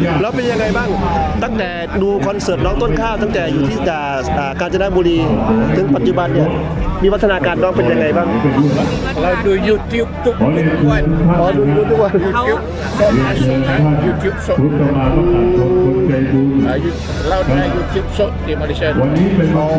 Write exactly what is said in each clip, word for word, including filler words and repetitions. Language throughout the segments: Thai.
แล้วเป็นยังไงบ้างตั้งแต่ดูคอนเสิร์ตน้องต้นข้าวตั้งแต่อยู่ที่กาญจนบุรีถึงปัจจุบันเนี่ยมีพัฒนาการน้องเป็นยังไงบ้างเราดู YouTube ทุกวันอ๋อดูดูทุกวัน YouTube สด YouTube สดเราได้ YouTube สดที่มาเลเซียวันนี้เป็นอ๋อ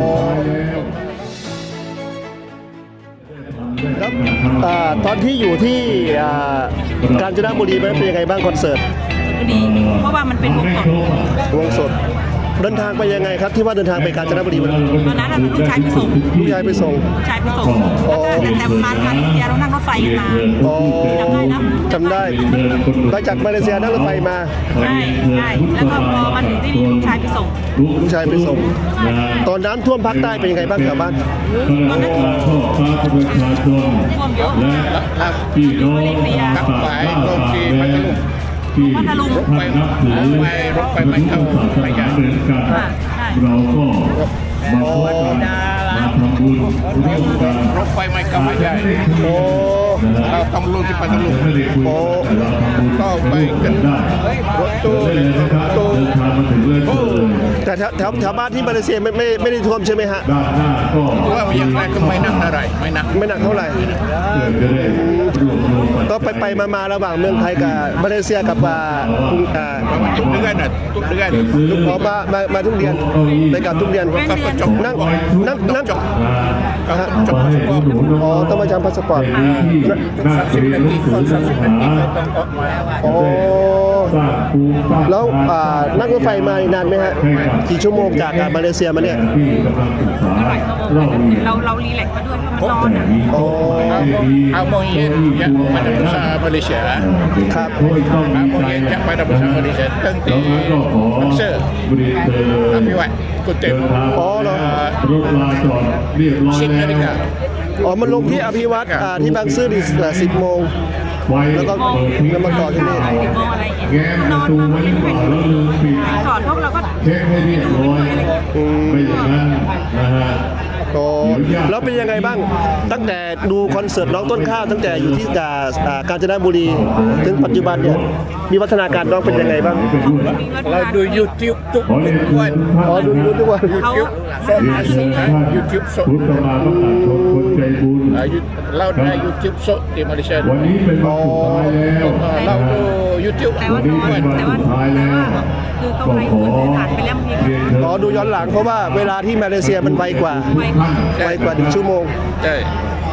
แล้วตอนที่อยู่ที่กาญจนบุรีเป็นยังไงบ้างคอนเสิร์ตดีเพราะว่ามันเป็นวงสดวงสดเดินทางไปยังไงครับที่ว่าเดินทางไปกาญจนบุรีตอนนั้นเราลูกชายไปส่งลูกชายไปส่งลูกชายไปส่งแล้วก็แต่แต่มามาเลเซียเรานั่งรถไฟมาอ๋อจำได้ไปจากมาเลเซียนั่งรถไฟมาใช่ใช่แล้วก็พอมาถึงที่นี่ลูกชายไปส่งลูกชายไปส่งตอนน้ำท่วมภาคใต้เป็นยังไงบ้างแถวบ้านตอนนั้นท่วมเยอะที่โน้นกับไปตรงที่พัทลุงพัทลุงรถไฟรถไฟรถไฟไม่เข้าไม่ใหญ่เราก็มาพบกันมาทำบุญร่วมกันรถไฟไม่เข้าไม่ใหญ่เราต้องลงที่พัทลุงโอ้ก็ไปกันได้รถตู้ตู้แต่แถวแถวแถวบ้านที่มาเลเซียไม่ไม่ไม่ได้ท่วมใช่ไหมฮะด้านหน้าก็ว่าอย่างไรก็ไม่หนักอะไรไม่หนักไม่หนักเท่าไหร่ก็ไปไปมามาระหว่างเมืองไทยกับมาเลเซียกับอ่าทุกเดือนน่ะทุกเดือนลูกขอมามามาทุกเดือนไปกับทุกเดือนนั่งนั่งนั่งก็จบอ๋อต้องมาจำพาสปอร์ตสามสิบนาทีคนสามสิบนาทีต้องออกมาอ๋อแล้วนั่งรถไฟมานานไหมฮะกี่ชั่วโมงจากมาเลเซียมาเนี่ยเราเรารีแลกซ์มาด้วยเพราะมันนอนอ๋อเอาโมงเย็นจากมาดาบุษามาเลเซียครับเอาโมงเย็นจากมาดาบุษามาเลเซียตั้งแต่บังเซอร์อภิวัตกุเต็มอ๋อเหรอสิบนาฬิกาอ๋อมันลงที่อภิวัตที่บางซื่อดิสิบโมงแล้วก็แล้วมาต่อที่นี่แง้มประตูไว้ก่อนแล้วลืมปิดก่อนพวกเราก็เช็คให้เรียบร้อยไม่อย่างนั้นนะฮะแล้วเป็นยังไงบ้างตั้งแต่ดูคอนเสิร์ตน้องต้นข้าวตั้งแต่อยู่ที่กาญจนบุรีถึงปัจจุบันเนี่ยมีพัฒนาการน้องเป็นยังไงบ้างเราดู YouTube ทุกวันอ๋อดูดูทุกวัน YouTube สด YouTube สดเราได้ YouTube สดที่มาเลเซียวันนี้เป็นวันสุดท้ายแล้วเราดู YouTube แต่ว่าแต่ว่าคือเขาไปผ่านไปแล้วบางทีอ๋อดูย้อนหลังเพราะว่าเวลาที่มาเลเซียมันไวกว่าไวกว่าหนึ่งชั่วโมงใช่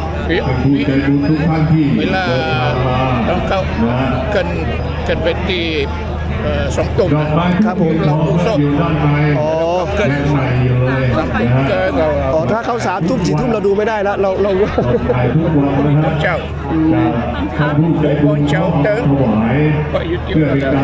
เวลาต้องเข้ากันกันไปที่สองตุ่มครับผมเราดูสดอ๋อเกินสามตุ่มเกินเราอ๋อถ้าเข้าสามทุ่มสี่ทุ่มเราดูไม่ได้แล้วเราเราเจ้าบนเจ้าเติมก็ยุติ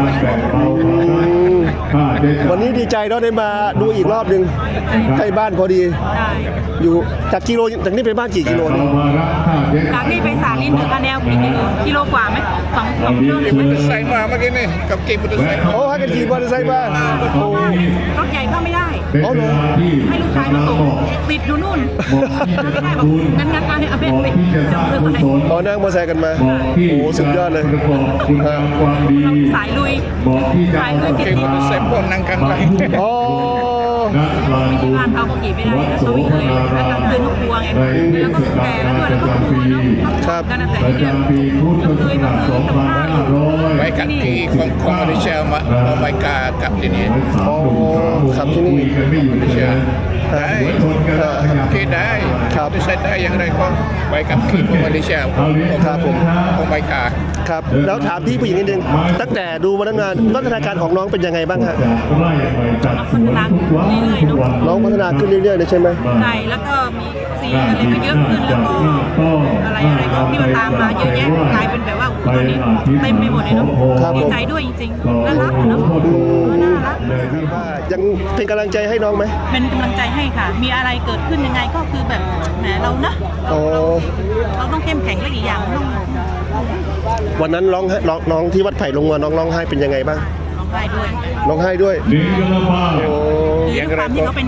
วันนี้ดีใจเราได้มาดูอีกรอบหนึ่งใกล้บ้านพอดีอยู่จากกิโลจากนี้ไปบ้านกี่กิโลเนี่ยจากนี้ไปสาลินถึงคะแนนกี่กิโลกิโลกว่าไหมสองสองกิโลมอเตอร์ไซค์มาเมื่อกี้นี่กับเก็บมอเตอร์ไซค์โอ้ให้กันขี่มอเตอร์ไซค์มารถใหญ่เข้าไม่ได้อ๋อเหรอให้ลูกชายมาส่งติดอยู่นู่นไม่ได้บอกงั้นงั้นมาให้อาเบนติดอ๋อนั่งมอเตอร์ไซค์กันมาโอ้สุดยอดเลยสายลุยสายลุยเก็บมอเตอร์ไซค์พวกนั่งกันไปอ๋อที่บ้านเขาขี่ไม่ได้เขาวิ่งเลยแล้วก็คืนลูกวัวไงแล้วก็แก่แล้วด้วยแล้วก็กลัวเนาะครับกันแต่ที่เนี่ยเคยมาซื้อกับข้าวไปกับที่ของของมาเลเซียมาเอาไปกากับที่นี่อ๋อครับที่นี่มาเลเซียได้ที่ได้ครับใช้ได้อย่างไรก็ไปกับที่ของมาเลเซียครับผมของไปกาครับแล้วถามพี่ผู้หญิงนิดนึงตั้งแต่ดูมาตั้งนานพัฒนาการของน้องเป็นยังไงบ้างฮะพัฒนาเรื่อยๆเนาะน้องพัฒนาขึ้นเรื่อยๆเลยใช่ไหมใช่แล้วก็มีสีอะไรก็เยอะขึ้นแล้วก็อะไรอะไรก็ที่มันตามมาเยอะแยะกลายเป็นแบบว่าตอนนี้เต็มไปหมดเลยเนาะดีใจด้วยจริงๆน่ารักเนาะน่ารักยังเป็นกำลังใจให้น้องไหมเป็นกำลังใจให้ค่ะมีอะไรเกิดขึ้นยังไงก็คือแบบแหมเรานะเราต้องเข้มแข็งและอีกอย่างต้องวันนั้นร้องน้องน้องที่วัดไผ่ลงมาน้องร้องไห้เป็นยังไงบ้างร้องไห้ด้วยร้องไห้ด้วยคือความที่เขาเป็นเด็ก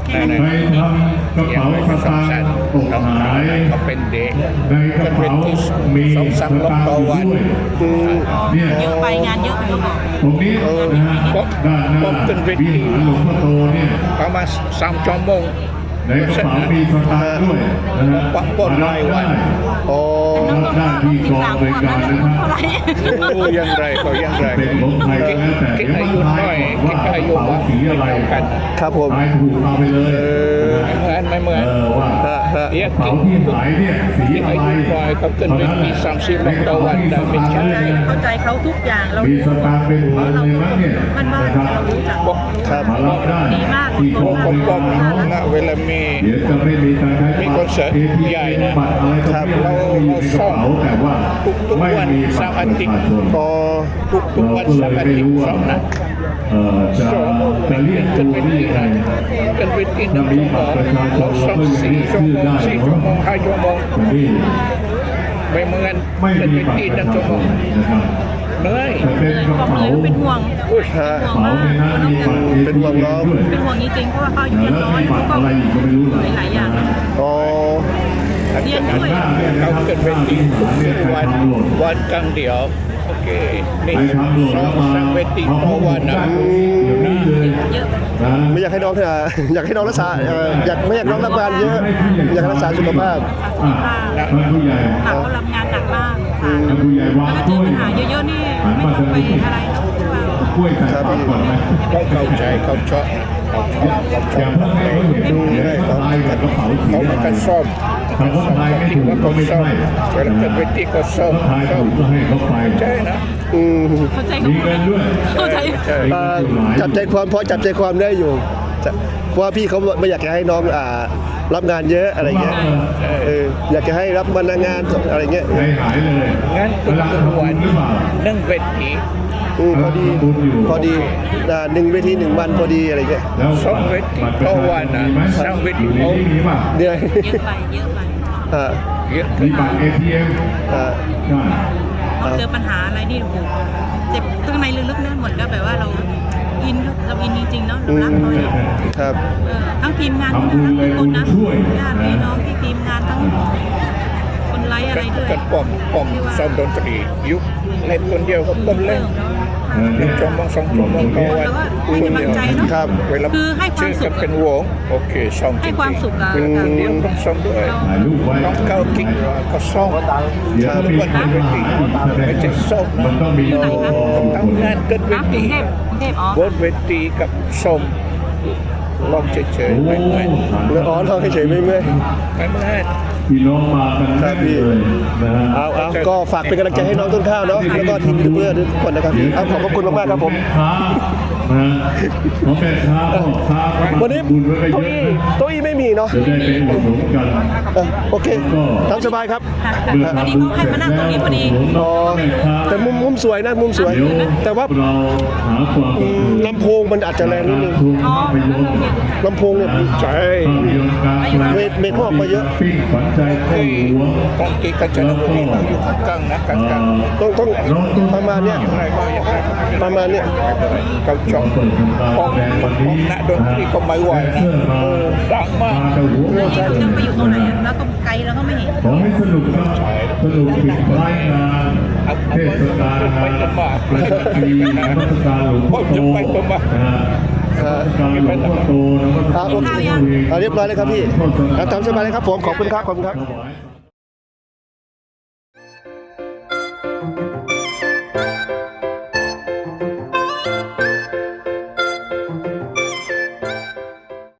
แค่นั้นไปทำกระเป๋าสตางค์ตกหายก็เป็นเด็กในกระเป๋ามีสองสามสรอบตางค์ต่ออยู่วันด้วยอืมเนี่ยเยอะไปงานเยอะเขาบอกตรงนี้นะฮะด้านหน้าวิหารหลวงพ่อโตเนี่ยประมาณสามชั่วโมงในกระเป๋ามีสตางค์ด้วยนะฮะปะปนรายวันอ๋อรับได้ที่กองบริการนะครับเท่าไหร่รู้ยังไรก็ยังไรเป็นของใครก็แล้วแต่คิดเดี๋ยวอามายุทาน้อยยคิดว่าอายุกระเป๋าว่าสีอะไรกันครับผมทายถูกเอาไปเลยเหมือนไม่เหมือนเออว่าฮะฮะเรียกกระเป๋ากินที่หายเนี่ยสีคิดอะอาไรยุน้อยก็เกินไปมีสามสิบต่อวันแต่ไม่ใช่เข้าใจเขาทุกอย่างเรามีสตางค์เป็นพันเลยมั้งเนี่ยมันบ้านนะครับเรารู้จักครับมารับได้ดีมากที่กองคบนริก็การเนาะนะเวลามีเดี๋ยวจะไม่มีการใช้มีคอนเสิร์ตเอทีใหญ่เอ็มนะบัตรอะไรก็ไม่เรามีในกระเราซ่อมเป๋าแต่ว่าทุกทุกไม่วันมีบัเสาตร์รอาประทิตย์ชาชนอ๋อทุกทุกเราวันก็เลสาย ร์อาไม่ทิตรู้ย์ว่าสองนะเอ่อจะจะเรียกตัวนี่ยังไงกันไปที่หนึ่งชั่วโมงเราสองสี่ชั่วโมงสี่ชั่วโมงห้าชั่วโมงแต่นี่ไม่เหมือนไม่กันมีไปบัตรที่ปหนึ่ระงชาชั่วชโมงนนะครับเหนื่อยแต่เป็นกระบอกเป๋าเลยเป็นห่วงอุ้ยฮะห่วงเป๋ามากในนั้นมีบัตรเอเป็นทีห่วงเอ็น้องมด้วยเป็นห่วงจริงๆเพราะว่าเขาอายุแล้วน้อมียบัเขาตรก็อะไรอีกก็ไม่รู้เลยหลายๆอย่างอ๋อเรียนด้วยเขาเกิดเป็นที่ทุกวันวันกลางเดียวโอเคนี่ไปทำหล่นสอแล้วงมาสามเวทีมาต่อวันนะเดี๋ยวนี้เลยเยอะนะไม่อยากให้น้องเถอะอยากให้น้องรักษาเอ่ออยากไม่อยากน้องรับงานเยอะ อยากให้รักษาสุขภาพอ่ะท่านผู้ใหญ่หนักเขารับงานหนักมากค่ะท่านผู้ใหญ่วางแล้วเจกล้อวยปัญหาเยอะๆนี่ไม่ต้องไปอะไรหรอกว่ากล้วยใส่ปากก่อนไหมต้องเข้าใจเขาชอบเขาชอบเขาชออย่าง บเพิ่งให้เขาเห็นเดี๋ยวเขาทายกับกระเป๋าสีเขาอะไรมากันซ่อมคำว่าทายไม่ถูกว่าก็เขาไม่ซ่อใช่มเวลาเกิดเวทีก็ซ่อมถ้าทายซ่อถูมกก็ให้เขาไปใช่นะอืมเข้าใจมีเขาเงินด้วยเข้าใจใช่เอ่อจับใจความพอจับใจความได้อยู่จะเพราะว่าพี่เขาไม่อยากจะให้น้องอ่ารับงานเยอะอะไรเงี้ยเอออยากจะให้รับวันงานอะไรเงี้ยใจหายเลยงั้นทุกำลังกทำบุวัญนหรือเปล่านั่งเวทีอืมพอดีกำลังทำบุญอยู่พอดีอ่าหนึ่งเวทีหนึ่งวันพอดีอะไรเงี้ยแล้วสองเวทีบัตรประต่อชาวันชนนะมีไหมสามเวทีอยู่ในเอานี้มีป่ะเดือนเยอะไปเยอะไปอ่าเยอะมีบัตร เอ ที เอ็มอ่าใช่เราเจอปัญหาอะไรนี่โอ้โหเจ็บข้างในลึกๆนั่นหมดก็แบบว่าเราอินเราอินจริงๆเนาะเรารักเขาเนี่ยครับเออทั้งทีมงานทั้งทุกคนนะญาติพี่น้องที่ทีมงานทั้งคนไลฟ์อะไรด้วยกันป้อมป้อมซ้อมดนตรียุคเล่นคนเดียวก็ป้อมเล่นเออหนึ่งชั่วโมงสองชั่วโมงต่อวันมีกำลังใจเนาะครับเวลาคือให้ความชื่อสุกัขนเป็นวงโอเคซ้อมจริงๆให้ความสุขกับเป็นคนเดียวต้องซ้อมด้วยถ่ายรูปไว้ต้องเข้ากิ๊กก็ซ้อมเดี๋ยวมีคนมาหาอีกแสดงไม่ใช่ส้มนะมันต้องมีโลโก้ทำงานเกินเวนะกรุทีงเทพกรุงเทพอ๋อบนเวทีกับส้มลองเฉยๆโอ้ไม่เหมือนแล้วอ๋อลองเฉยๆไม่เมื่อยไม่เหมือนพี่น้องมากันแน่นเลยนะฮะเอาเอาก็ฝากเป็นกำลังใจให้น้องต้นข้าวเนาะแล้วก็ทีมยูทูบเบอร์ทุกคนนะครับเอาขอบพระคุณมากๆครับผมค้านะขอแม่ค้าพ่อค้าวันนี้บุญไว้ก็โต๊ะเยอี้อะนะโต๊ะอี้ไม่มีเนาะจะได้ไปอุดหนุนกันเออโอเคตามสบายครับค่ะค่ะพอดีเขาให้มานั่งตรงนี้พอดีอ๋อแต่มุมมุมสวยนะมุมสวยเดี๋ยวแต่ว่าเราหาความอืมลำโพงมันอาจจะแรงนิดนึงทุนภาพยนตร์ลำโพงเนี่ยใช่ภาพยนตร์กลางแปลงเมตรเมตรเขาออกมาเยอะปิ้งขวัญใจเข้าหัวต้องกีกันจะดูดีเราอยู่ข้างกลางนะกลางกลางต้องต้องประมาณเนี้ยอย่างไรก็อย่างไรประมาณเนี้ยเขาชอบเปิดทำการป้อมแสดงวันป้อนี้มนักดนตรีก็ไม่ไหวนะเสื้อมาดังมากมาแต่หัวแล้วนี่เราจะไปอยู่ตรงไหนอะแล้วก็ไกลแล้วก็ไม่เห็นขอให้สนุกครับสนุกปิดท้ายงานเทศกาลงานประจำปีนมัสการหลวงพ่อโตนะฮะนมัสการหลวงพ่อโตนมัสอ่าการโอเคหลวงพ่อเวงอ่าเรียบร้อยเลยครับพี่อ่าตามสบายเลยครับผมขอบคุณครับขอบคุณครับถวาย